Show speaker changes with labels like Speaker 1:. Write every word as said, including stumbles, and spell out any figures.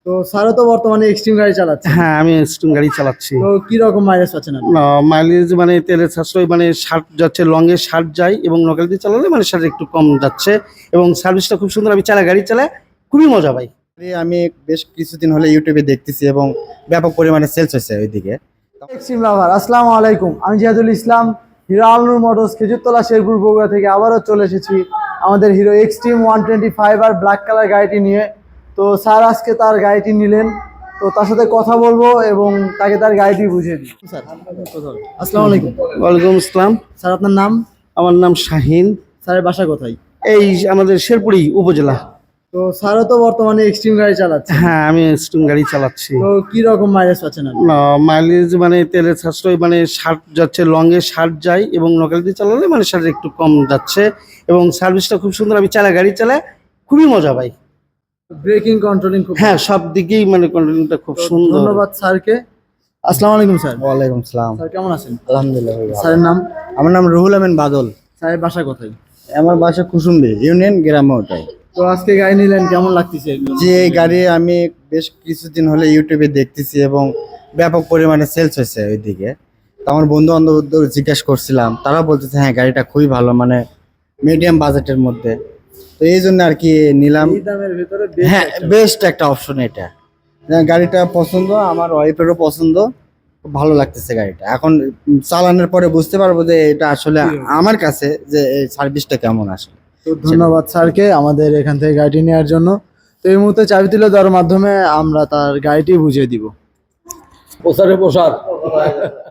Speaker 1: তো স্যারও তো বর্তমানে এক্সট্রিম গাড়ি চালাচ্ছে।
Speaker 2: হ্যাঁ, আমি এক্সট্রিম গাড়ি চালাচ্ছি।
Speaker 1: তো কি রকম মাইলেজ পাচ্ছেন আপনি?
Speaker 2: মাইলেজ মানে তেলের সাশ্রয় মানে ষাট যাচ্ছে, লংয়ে ষাট যায় এবং লোকাল দিয়ে চালালে মানে ষাট একটু কম যাচ্ছে এবং সার্ভিসটা খুব সুন্দর। আমি চালা গাড়ি চালায় খুবই মজা পাই।
Speaker 3: আমি বেশ কিছুদিন হলে ইউটিউবে দেখতেছি এবং ব্যাপক পরিমাণে সেলস হয়েছে ওইদিকে।
Speaker 1: এক্সট্রিম লাভার, আসসালামু আলাইকুম। আমি জিয়াদুল ইসলাম, হিরো আলনুর মোটরস খেজুরতলা শেরপুর বগুড়া থেকে আবারও চলে এসেছি আমাদের Hero Xtreme one twenty five আর ব্ল্যাক কালার গাড়িটি নিয়ে। তো স্যার আজকে তার গাড়িটি নিলেন, তো তার সাথে কথা বলবো এবং তাকে তার গাড়িটি বুঝিয়ে দিই। স্যার আসসালামু আলাইকুম।
Speaker 2: ওয়ালাইকুম আসসালাম।
Speaker 1: স্যার আপনার নাম?
Speaker 2: আমার নাম শাহিন।
Speaker 1: স্যারের বাসা কোথায়?
Speaker 2: এই আমাদের শেরপুরি উপজেলা।
Speaker 1: তো স্যারও তো বর্তমানে এক্সট্রিম গাড়ি চালাচ্ছে।
Speaker 2: হ্যাঁ, আমি এক্সট্রিম গাড়ি চালাচ্ছি।
Speaker 1: তো কি রকম মাইলেজ পাচ্ছেন আপনি?
Speaker 2: মাইলেজ মানে তেলের সাশ্রয় মানে ষাট যাচ্ছে, লংয়ে ষাট যায় এবং লোকাল দিয়ে চালালে মানে ষাট একটু কম যাচ্ছে এবং সার্ভিসটা খুব সুন্দর। আমি চালা গাড়ি চালায় খুবই মজা পাই।
Speaker 1: ব্রেকিং কন্ট্রোলিং খুব
Speaker 2: হ্যাঁ, সব দিকেই মানে কন্ট্রোলিংটা খুব সুন্দর।
Speaker 1: ধন্যবাদ স্যারকে। আসসালামু আলাইকুম স্যার।
Speaker 3: ওয়ালাইকুম সালাম।
Speaker 1: স্যার কেমন আছেন?
Speaker 3: আলহামদুলিল্লাহ ভাই ভালো।
Speaker 1: স্যারের নাম?
Speaker 3: আমার নাম রুহুল আমিন বাদল।
Speaker 1: স্যারের বাসা কোথায়?
Speaker 3: আমার বাসা কুসুম্বি ইউনিয়ন গ্রামে ওটাই।
Speaker 1: তো আজকে গাড়ি নিলেন, কেমন লাগতেছে?
Speaker 3: যে এই গাড়ি আমি বেশ কিছুদিন হলে ইউটিউবে দেখতেছি এবং ব্যাপক পরিমাণে সেলস হয়েছে ওইদিকে। তো আমার বন্ধু বান্ধবদের জিজ্ঞাসা করছিলাম, তারা বলতেছে হ্যাঁ গাড়িটা খুবই ভালো, মানে মিডিয়াম বাজেটের মধ্যে। তো এই জন্য আর কি নিলাম।
Speaker 1: এই দামের ভিতরে
Speaker 3: হ্যাঁ, বেস্ট একটা অপশন এটা। গাড়িটা পছন্দ, আমার ওয়াইফেরও পছন্দ, খুব ভালো লাগতেছে গাড়িটা। এখন চালানোর পরে বুঝতে পারবো যে এটা আসলে আমার কাছে যে এই সার্ভিসটা কেমন আসে।
Speaker 1: তো ধন্যবাদ স্যারকে আমাদের এখান থেকে গাড়িটি নেওয়ার জন্য। তো এই মুহূর্তে চাবি তুলে দেওয়ার মাধ্যমে আমরা তার গাড়িটি বুঝিয়ে দিব।
Speaker 4: প্রসারে প্রসাদ।